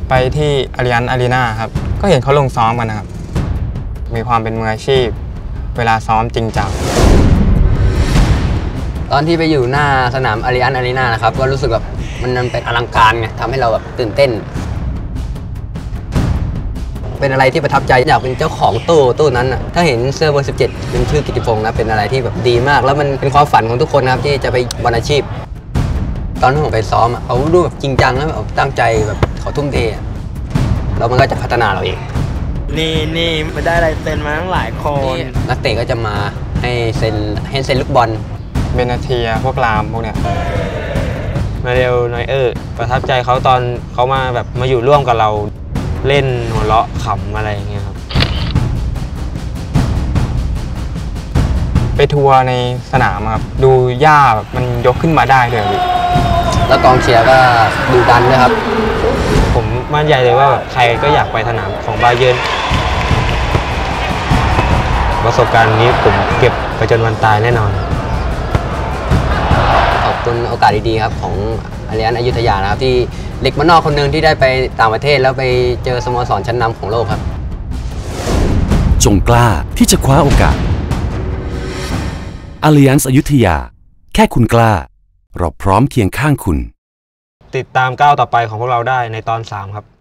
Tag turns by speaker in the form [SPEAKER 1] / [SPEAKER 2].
[SPEAKER 1] ไปที่อาริยันอารีนาครับก็เห็นเขาลงซ้อมกันนะครับมีความเป็นมืออาชีพเวลาซ้อมจริงจัง
[SPEAKER 2] ตอนที่ไปอยู่หน้าสนามอาริยันอารีนานะครับก็รู้สึกแบบมันเป็นอลังการไงทำให้เราแบบตื่นเต้นเป็นอะไรที่ประทับใจอยากเป็นเจ้าของตู้นั้นนะถ้าเห็นเสื้อเบอร์ 17เป็นชื่อกิตติพงษ์นะเป็นอะไรที่แบบดีมากแล้วมันเป็นความฝันของทุกคนนะครับที่จะไปบอลอาชีพตอนที่ผมไปซ้อมเขาดูแบบจริงจังแล้วแบบตั้งใจแบบเขาทุ่มเทแล้วมันก็จะพัฒนาเราเอง
[SPEAKER 3] นี่มันได้ลายเซ็นมาทั้งหลายคน
[SPEAKER 2] นักเตะก็จะมาให้เซ็นลูกบอล
[SPEAKER 1] เบนาเทียพวกรามพวกเนี้ย
[SPEAKER 4] มาเรลนอยประทับใจเขาตอนเขามาแบบมาอยู่ร่วมกับเราเล่นหัวเราะขำอะไรอย่างเงี้ยครับ
[SPEAKER 1] ไปทัวร์ในสนามครับดูหญ้าแบบมันยกขึ้นมาได้เลย
[SPEAKER 2] แล้วกองเชียร์ก็ดูดันด้วยครับ
[SPEAKER 4] ผมมั่นใจเลยว่าใครก็อยากไปสนามของบาเยิร์นประสบการณ์นี้ผมเก็บไปจนวันตายแน่นอน
[SPEAKER 2] ขอบคุณโอกาสดีๆครับของอาริยันอยุธยานะครับที่เด็กบ้านนอกคนหนึ่งที่ได้ไปต่างประเทศแล้วไปเจอสโมสรชั้นนำของโลกครับ
[SPEAKER 5] จงกล้าที่จะคว้าโอกาสอาริยันอยุธยาแค่คุณกล้าเราพร้อมเคียงข้างคุณ
[SPEAKER 4] ติดตามก้าวต่อไปของพวกเราได้ในตอน 3ครับ